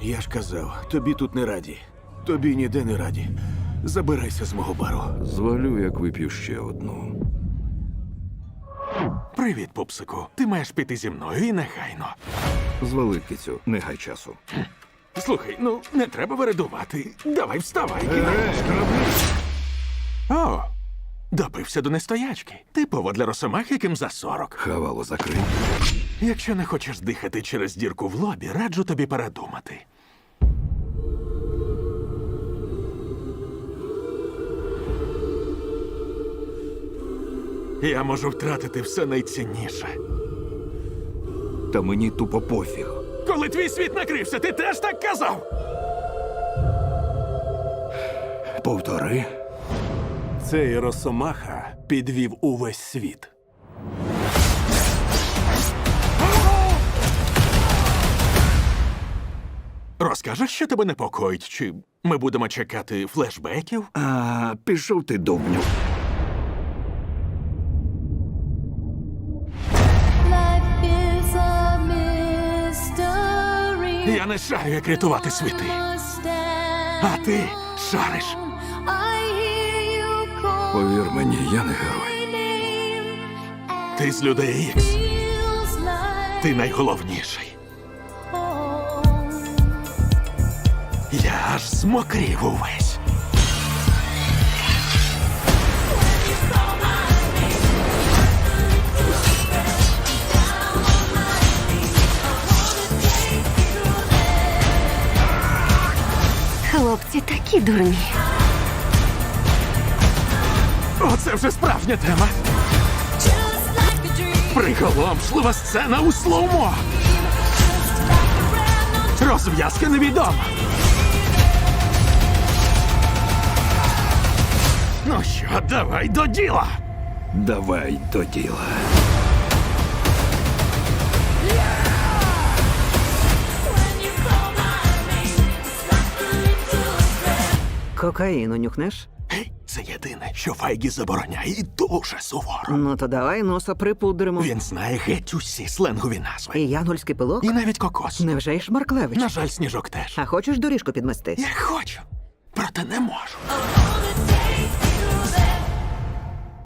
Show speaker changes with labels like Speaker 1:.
Speaker 1: Я ж казав, тобі тут не раді. Тобі ніде не раді. Забирайся з мого бару.
Speaker 2: Звалю, як вип'ю ще одну.
Speaker 3: Привіт, пупсику. Ти маєш піти зі мною і негайно.
Speaker 2: Звали, кицю, не гай часу.
Speaker 3: Слухай, ну не треба вередувати. Давай вставай. О, допився до нестоячки. Типово для росомах, яким за 40.
Speaker 2: Хавало закрий.
Speaker 3: Якщо не хочеш дихати через дірку в лобі, раджу тобі передумати. Я можу втратити все найцінніше.
Speaker 2: Та мені тупо пофіг.
Speaker 3: Коли твій світ накрився, ти теж так казав?
Speaker 2: Повтори.
Speaker 1: Цей Росомаха підвів увесь світ.
Speaker 3: Розкажеш, що тебе непокоїть, чи ми будемо чекати флешбеків?
Speaker 2: А, пішов ти, дубню.
Speaker 4: Life is a mystery.
Speaker 3: Я не шарю, як рятувати світи. А ти шариш.
Speaker 4: I hear you call
Speaker 2: Повір мені, я не герой.
Speaker 4: my name.
Speaker 3: Ти з людей Ікс.
Speaker 4: Feels like
Speaker 3: Ти найголовніший.
Speaker 4: home.
Speaker 3: Я аж змокрів увесь.
Speaker 5: Хлопці такі дурні.
Speaker 3: Оце вже справжня тема.
Speaker 4: Just like a dream.
Speaker 3: Приголомшлива сцена у слоумо. Розв'язка невідома. Ну що, давай до діла.
Speaker 2: Давай до діла.
Speaker 6: Кокаїну нюхнеш?
Speaker 3: Гей, це єдине, що Файгі забороняє і дуже суворо.
Speaker 6: Ну то давай носа припудримо.
Speaker 3: Він знає геть усі сленгові назви.
Speaker 6: І янгольський пилок?
Speaker 3: І навіть кокос.
Speaker 6: Невже й Шмарклевич?
Speaker 3: На жаль, Сніжок теж.
Speaker 6: А хочеш доріжку підмести?
Speaker 3: Я хочу, проте не можу.
Speaker 4: All the